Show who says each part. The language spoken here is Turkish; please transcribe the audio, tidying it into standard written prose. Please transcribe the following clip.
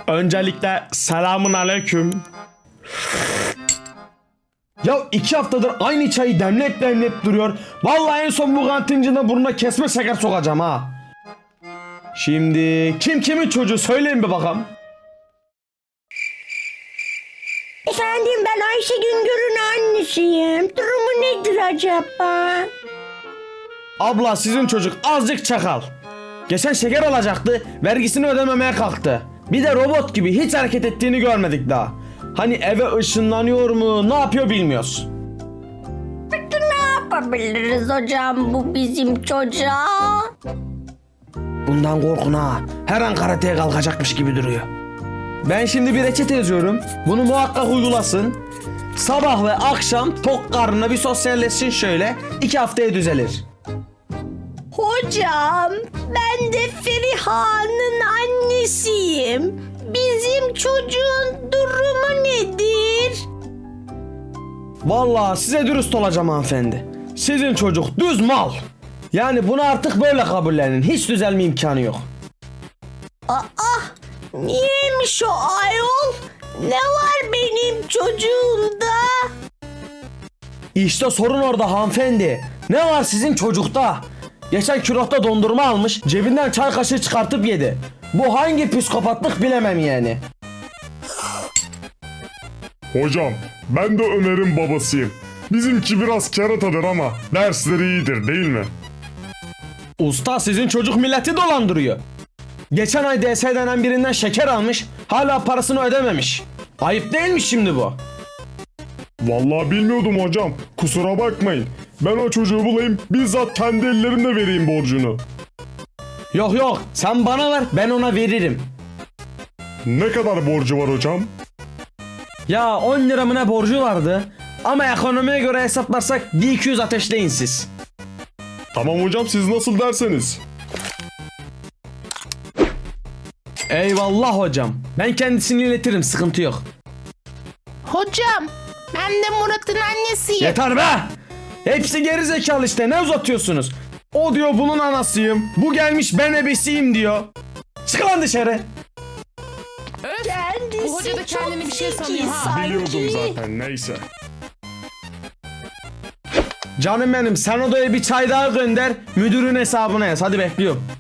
Speaker 1: Öncelikle selamun aleyküm. Ya 2 haftadır aynı çayı demleyip duruyor. Vallahi en son bu kantincide burnuna kesme şeker sokacağım ha. Şimdi kim kimin çocuğu söyleyin bir bakalım.
Speaker 2: Efendim, ben Ayşe Güngör'ün annesiyim. Durumu nedir acaba?
Speaker 1: Abla, sizin çocuk azıcık çakal. Geçen şeker alacaktı, vergisini ödememeye kalktı. Bir de robot gibi hiç hareket ettiğini görmedik daha. Hani eve ışınlanıyor mu, ne yapıyor bilmiyoruz.
Speaker 2: Peki ne yapabiliriz hocam bu bizim çocuğa?
Speaker 1: Bundan korkun ha. Her an karateye kalkacakmış gibi duruyor. Ben şimdi bir reçete yazıyorum. Bunu muhakkak uygulasın. Sabah ve akşam tok karnına bir sosyalleşsin şöyle. 2 haftaya düzelir.
Speaker 2: Hocam, ben de Feriha'nın annesiyim. Bizim çocuğun durumu nedir?
Speaker 1: Vallahi size dürüst olacağım hanımefendi. Sizin çocuk düz mal. Yani bunu artık böyle kabullenin. Hiç düzelme imkanı yok.
Speaker 2: Niyeymiş o ayol? Ne var benim çocuğumda?
Speaker 1: İşte sorun orada hanımefendi. Ne var sizin çocukta? Geçen külahta dondurma almış, cebinden çay kaşığı çıkartıp yedi. Bu hangi psikopatlık bilemem yani.
Speaker 3: Hocam, ben de Ömer'in babasıyım. Bizimki biraz keratadır ama dersleri iyidir değil mi?
Speaker 1: Usta, sizin çocuk milleti dolandırıyor. Geçen ay DS denen birinden şeker almış, hala parasını ödememiş. Ayıp değil mi şimdi bu?
Speaker 3: Vallahi bilmiyordum hocam. Kusura bakmayın. Ben o çocuğu bulayım, bizzat kendi ellerimle vereyim borcunu.
Speaker 1: Yok, sen bana ver, ben ona veririm.
Speaker 3: Ne kadar borcu var hocam?
Speaker 1: Ya 10 lira mı ne borcu vardı? Ama ekonomiye göre hesaplarsak 1200 ateşleyin siz.
Speaker 3: Tamam hocam, siz nasıl derseniz.
Speaker 1: Eyvallah hocam. Ben kendisini iletirim, sıkıntı yok.
Speaker 4: Hocam, ben de Murat'ın annesiyim.
Speaker 1: Yeter be! Hepsi geri zekalı işte, ne uzatıyorsunuz? O diyor bunun anasıyım. Bu gelmiş ben ebesiyim diyor. Çık lan dışarı.
Speaker 2: Kendisi
Speaker 4: Bu hoca da kendini bir şey
Speaker 2: çok
Speaker 4: sanıyor
Speaker 2: zeki
Speaker 4: ha.
Speaker 2: sanki.
Speaker 3: Biliyordum zaten, neyse.
Speaker 1: Canım benim, sen odaya bir çay daha gönder. Müdürün hesabına yaz. Hadi bekliyorum.